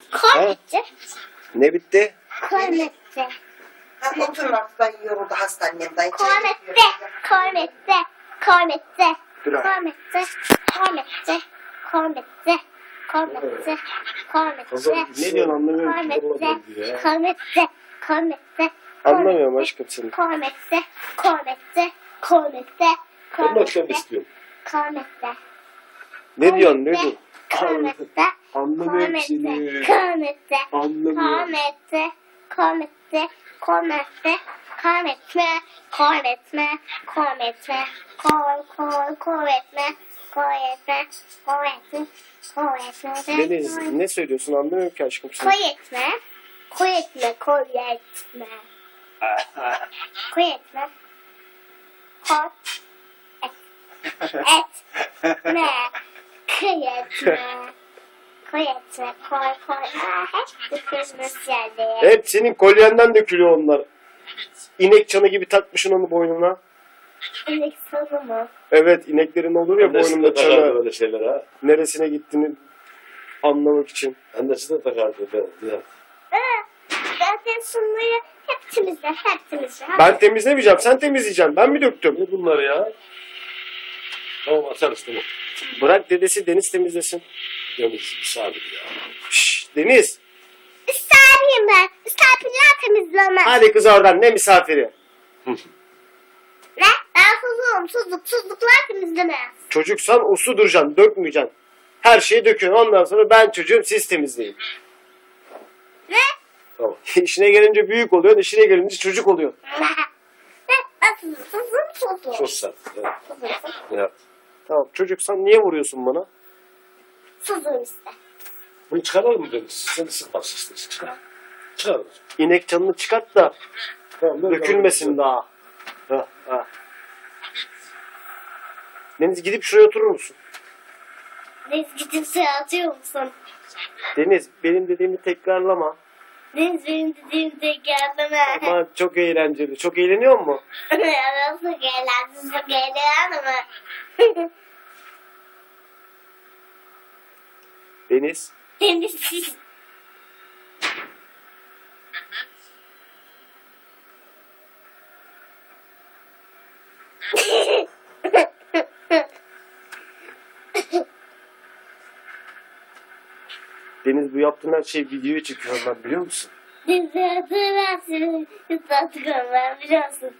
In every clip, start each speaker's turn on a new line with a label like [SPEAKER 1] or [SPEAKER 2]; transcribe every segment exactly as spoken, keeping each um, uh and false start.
[SPEAKER 1] Kol bitti.
[SPEAKER 2] Ne bitti?
[SPEAKER 1] Kol bitti.
[SPEAKER 3] Hadi oturun artık, ben yoruldu hastanemden.
[SPEAKER 1] Kol bitti. Kol bitti. Kol bitti.
[SPEAKER 2] Dur abi.
[SPEAKER 1] Kol bitti. Kol bitti. Kol bitti. Kol bitti. Kol bitti.
[SPEAKER 2] Ne diyorsun anlamıyorum
[SPEAKER 1] Kol
[SPEAKER 2] ki.
[SPEAKER 1] bitti. Kol bitti. Kol bitti.
[SPEAKER 2] Anlamıyorum aşkım seni.
[SPEAKER 1] Kol bitti. Kol bitti. Kol bitti.
[SPEAKER 4] Ben de akşam istiyorum.
[SPEAKER 1] Kol bitti.
[SPEAKER 2] Ne diyorsun ne diyorsun?
[SPEAKER 1] Komette,
[SPEAKER 2] Anlamıyorum seni.
[SPEAKER 1] komette,
[SPEAKER 2] Anlamıyorum.
[SPEAKER 1] komette, komette, komette, kometme, kometme, kometme, kol, kol, kometme, kometme, kometme, kometme,
[SPEAKER 2] Deniz ne söylüyorsun anlamıyorum ki aşkım seni.
[SPEAKER 1] koyetme, koyetme, koyetme, koyetme, kot, et, et, me. Koyetme. Koyetme. Koy koy. Aa, hep dökülmüş yerde.
[SPEAKER 2] Hep senin kolyenden dökülüyor onlar. İnek çanı gibi takmışsın onu boynuna.
[SPEAKER 1] İnek sonu mu?
[SPEAKER 2] Evet ineklerin olur ya
[SPEAKER 4] Annesi de
[SPEAKER 2] boynunda
[SPEAKER 4] takardı
[SPEAKER 2] çanı.
[SPEAKER 4] böyle şeyler ha.
[SPEAKER 2] Neresine gittiğini anlamak için.
[SPEAKER 4] Annesi de takardı. Ben, ya.
[SPEAKER 1] Aa, zaten sunmayı hep temizle. Hep temizle.
[SPEAKER 2] Ben temizlemeyeceğim sen temizleyeceksin. Ben mi döktüm?
[SPEAKER 4] Ne bunlar ya? Tamam atarız tamam.
[SPEAKER 2] Bırak dedesi Deniz temizlesin.
[SPEAKER 4] Deniz sabit ya.
[SPEAKER 2] Şşş Deniz.
[SPEAKER 1] Misafiriyim ben. Misafirler temizlemez.
[SPEAKER 2] Hadi kız oradan ne misafiri.
[SPEAKER 1] Ne? Ben susuzum. Suzluk. Suzluklar temizlemez.
[SPEAKER 2] Çocuksan uslu duracaksın dökmeyeceksin. Her şeyi döküyorsun ondan sonra ben çocuğum siz temizleyin.
[SPEAKER 1] Ne?
[SPEAKER 4] Tamam.
[SPEAKER 2] İşine gelince büyük oluyorsun işine gelince çocuk oluyorsun.
[SPEAKER 1] Ne? Ben susuzum. Susuzum.
[SPEAKER 4] Çok sert. Evet.
[SPEAKER 1] Susuzum.
[SPEAKER 4] Ya.
[SPEAKER 2] Tamam çocuksan niye vuruyorsun bana?
[SPEAKER 1] Susuzum işte.
[SPEAKER 4] Bunu çıkaralım mı Deniz? Sen de sıkmazsın işte. Çıkar. Çıkaralım.
[SPEAKER 2] İnek canını çıkart da
[SPEAKER 4] Tamam, ben-
[SPEAKER 2] dökülmesin
[SPEAKER 4] ben-
[SPEAKER 2] daha. Ha, ha. Deniz gidip şuraya oturur musun?
[SPEAKER 1] Deniz gidip suya atıyor musun?
[SPEAKER 2] Deniz benim dediğimi tekrarlama.
[SPEAKER 1] Deniz benim dediğim de gelmeme.
[SPEAKER 2] Ama çok eğlenceli. Çok eğleniyor mu?
[SPEAKER 1] Nasıl eğlensin, çok eğleniyor mu?
[SPEAKER 2] Deniz.
[SPEAKER 1] Deniz.
[SPEAKER 2] Deniz bu yaptığın her şey videoya çekiyor ben biliyor musun?
[SPEAKER 1] Deniz hatırlarsın. Hatırlatıyorum ben biliyorsun.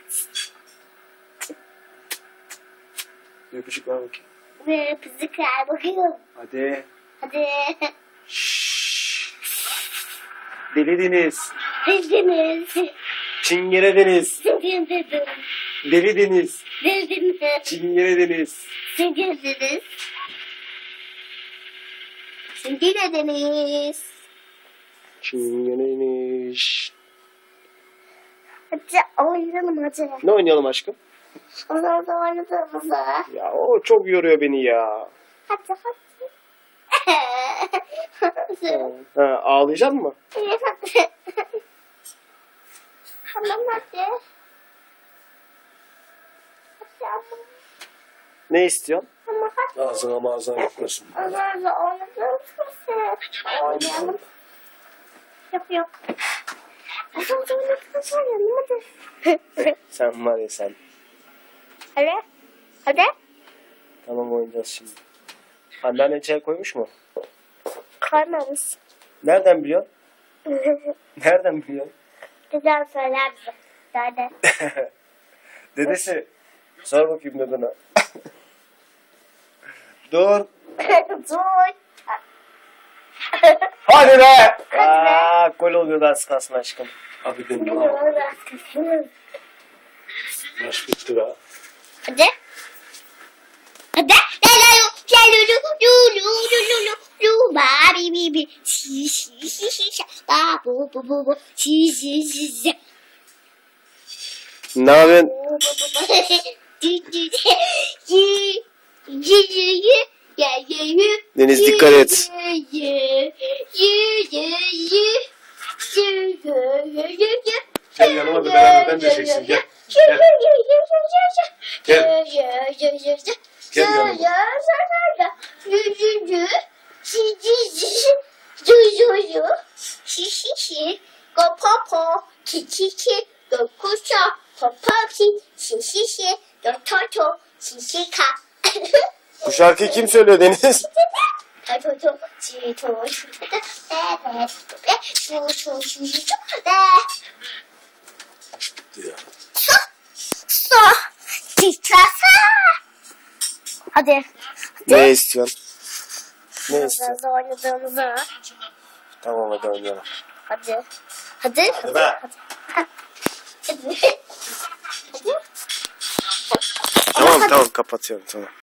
[SPEAKER 2] Öpücük ver bakayım.
[SPEAKER 1] Ve bizi kayboluyorum.
[SPEAKER 2] Hadi.
[SPEAKER 1] Hadi.
[SPEAKER 2] Şşş. Deli Deniz.
[SPEAKER 1] Deniz.
[SPEAKER 2] Çingene Deniz.
[SPEAKER 1] Deniz dedim.
[SPEAKER 2] Deli Deniz.
[SPEAKER 1] Deniz.
[SPEAKER 2] Çingene Deniz.
[SPEAKER 1] Deniz. Deniz. Çingene Deniz.
[SPEAKER 2] Çingene Deniz.
[SPEAKER 1] Hadi oynayalım hadi.
[SPEAKER 2] Ne oynayalım aşkım?
[SPEAKER 1] O zaman da oynadığımızda.
[SPEAKER 2] Ya o çok yoruyor beni ya.
[SPEAKER 1] Hadi hadi.
[SPEAKER 2] Ha, ağlayacak mı?
[SPEAKER 1] Evet hadi. Tamam hadi. Hadi ama.
[SPEAKER 2] Ne istiyorsun?
[SPEAKER 1] Ama hadi.
[SPEAKER 4] Ağzına mağazına gitmesin.
[SPEAKER 1] O zaman da oynadığımızda. Oynayalım. Yok yok. O zaman da oynadığımızda oynayalım hadi.
[SPEAKER 2] Sen var ya sen.
[SPEAKER 1] Hadi. Hadi.
[SPEAKER 2] Tamam oynayacağız şimdi. Anneannen çay koymuş mu?
[SPEAKER 1] Koymamış.
[SPEAKER 2] Nereden biliyorsun? Nereden biliyorsun?
[SPEAKER 1] Güzel söyler bize. Dede.
[SPEAKER 2] Dedesi. Sor bakayım dedene. Dur.
[SPEAKER 1] Dur.
[SPEAKER 2] Hadi be. Aa, gol oluyor az kalsın aşkım.
[SPEAKER 4] Abi benim
[SPEAKER 1] Hadi.
[SPEAKER 4] ya. Maç bitti be.
[SPEAKER 1] Hadi. Hadi. La la lu la lu lu lu lu lu lu lu ba bi bi bi şi şi şi şi şi ba bu bu bu bu şi şi şi şi.
[SPEAKER 2] Ne yapıyorsun? Deniz dikkat et.
[SPEAKER 4] Gel yanıma da beraber düşeceksin gel. Gel. Gel. Gel yanıma.
[SPEAKER 1] Gel. çi, go popo, ki ki ki, go kuşa, popo ki, şi şi şi, go toto, şi şi ka.
[SPEAKER 2] Bu şarkıyı kim söylüyor Deniz?
[SPEAKER 1] toto, çi to, şu to, be be, be, şu şu şu şu şu, be.
[SPEAKER 4] Ya.
[SPEAKER 1] Su, titrasa. Hadi.
[SPEAKER 2] Ne istiyorsun? Ne istiyorsun?
[SPEAKER 1] Hızlı oynadığımızı.
[SPEAKER 2] Tamam hadi oynayalım.
[SPEAKER 1] Hadi. Hadi.
[SPEAKER 4] Hadi be.
[SPEAKER 1] Hadi. Hadi.
[SPEAKER 2] Tamam tamam kapatıyorum tamam.